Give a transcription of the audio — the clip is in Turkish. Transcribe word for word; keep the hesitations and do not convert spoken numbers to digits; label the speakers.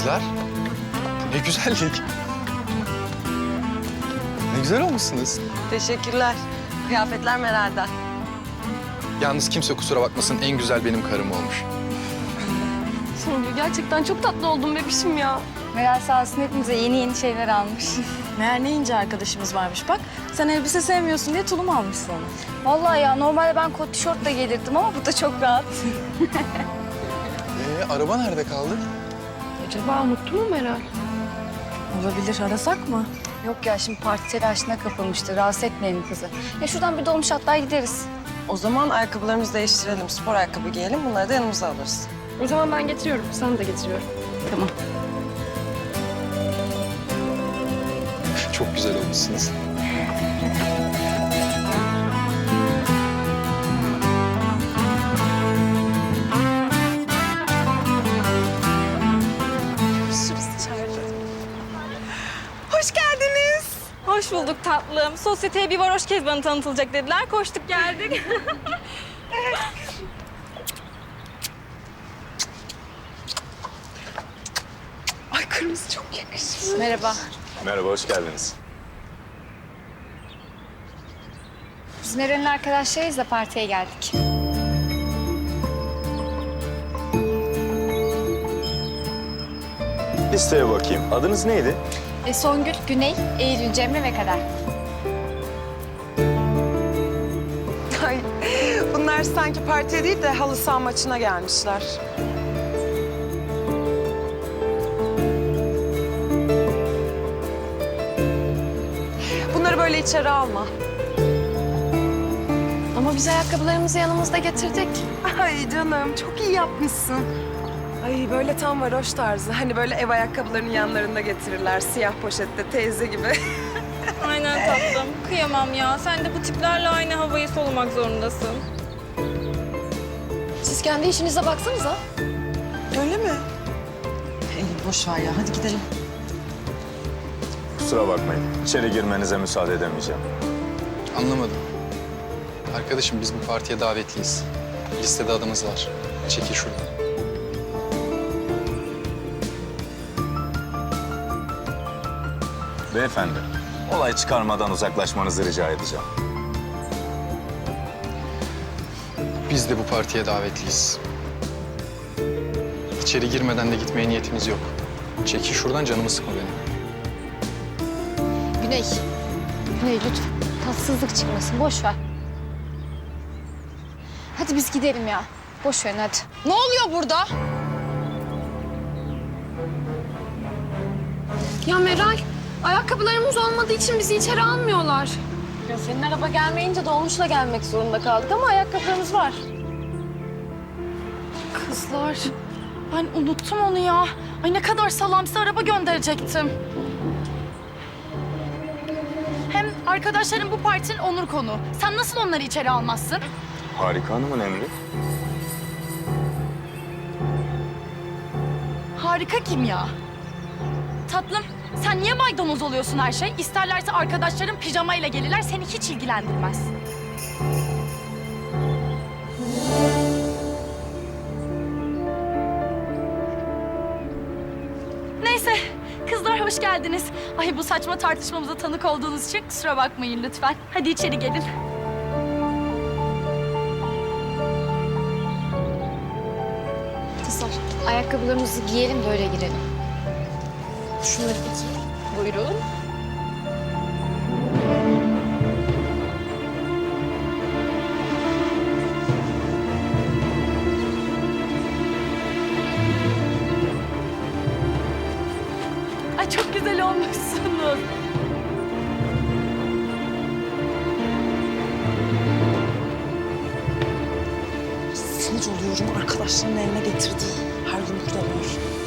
Speaker 1: Kızlar, ne güzellik. Ne güzel olmuşsunuz.
Speaker 2: Teşekkürler. Kıyafetler Meral'den.
Speaker 1: Yalnız kimse kusura bakmasın, en güzel benim karım olmuş.
Speaker 3: Songül gerçekten çok tatlı oldun bebişim ya.
Speaker 4: Meral sağ olsun hepimize yeni yeni şeyler almış.
Speaker 5: Meğer ne ince arkadaşımız varmış bak. Sen elbise sevmiyorsun diye tulum almışsın ona.
Speaker 4: Vallahi ya normalde ben kot tişörtle gelirdim ama bu da çok rahat.
Speaker 1: Ee, araba nerede kaldı?
Speaker 3: Acaba unuttu mu Meral?
Speaker 5: Olabilir, arasak mı?
Speaker 4: Yok ya şimdi parti telaşına kapılmıştı. Rahatsız etmeyelim kızı. Ya şuradan bir dolmuş atlar gideriz.
Speaker 2: O zaman ayakkabılarımızı değiştirelim. Spor ayakkabı giyelim. Bunları da yanımıza alırız.
Speaker 3: O zaman ben getiriyorum. Sen de getiriyorum.
Speaker 4: Tamam.
Speaker 1: Çok güzel olmuşsunuz.
Speaker 5: Hoş geldiniz. Hoş bulduk tatlım. Sosyeteye bir varoş Kezban'ı tanıtılacak dediler. Koştuk geldik.
Speaker 2: Ay kırmızı çok yakışır.
Speaker 4: Merhaba.
Speaker 6: Merhaba, hoş geldiniz.
Speaker 4: Biz Meral'in arkadaşlarıyız da partiye geldik.
Speaker 6: Listeye bakayım. Adınız neydi?
Speaker 4: E, Songül, Güney, Eylül, Cemre ve Kader.
Speaker 2: Ay, bunlar sanki partiye değil de halı saha maçına gelmişler. Bunları böyle içeri alma.
Speaker 3: Ama biz ayakkabılarımızı yanımızda getirdik.
Speaker 2: Ay canım çok iyi yapmışsın. Ay böyle tam varoş tarzı. Hani böyle ev ayakkabılarının yanlarında getirirler. Siyah poşette teyze gibi.
Speaker 5: Aynen tatlım. Kıyamam ya. Sen de bu tiplerle aynı havayı solumak zorundasın.
Speaker 3: Siz kendi işinize baksanıza.
Speaker 2: Öyle mi? Eylül boş ver ya. Hadi gidelim.
Speaker 6: Kusura bakmayın. İçeri girmenize müsaade edemeyeceğim.
Speaker 1: Anlamadım. Arkadaşım biz bu partiye davetliyiz. Listede adımız var. Çekil şuradan.
Speaker 6: Beyefendi, olay çıkarmadan uzaklaşmanızı rica edeceğim.
Speaker 1: Biz de bu partiye davetliyiz. İçeri girmeden de gitmeye niyetimiz yok. Çekil şuradan, canımı sıkma benim.
Speaker 4: Güney. Güney lütfen. Tatsızlık çıkmasın. Boş ver. Hadi biz gidelim ya. Boş verin hadi.
Speaker 3: Ne oluyor burada? Ya Meral, ayakkabılarımız olmadığı için bizi içeri almıyorlar.
Speaker 4: Ya senin araba gelmeyince dolmuşla gelmek zorunda kaldık ama ayakkabılarımız var.
Speaker 5: Kızlar, ben unuttum onu ya. Ay ne kadar salamsı araba gönderecektim. Hem arkadaşlarım bu partinin onur konu. Sen nasıl onları içeri almazsın?
Speaker 6: Harika Hanım'ın emri.
Speaker 5: Harika kim ya? Tatlım, sen niye maydanoz oluyorsun her şey? İsterlerse arkadaşlarım pijamayla gelirler, seni hiç ilgilendirmez. Neyse, kızlar hoş geldiniz. Ay bu saçma tartışmamıza tanık olduğunuz için kusura bakmayın lütfen. Hadi içeri gelin.
Speaker 4: Kızlar ayakkabılarımızı giyelim böyle girelim. Şunları bir giyelim.
Speaker 5: Buyurun. Ay çok güzel olmuşsunuz.
Speaker 2: Sinir oluyorum arkadaşlarının eline getirdiği. Her gün burada var.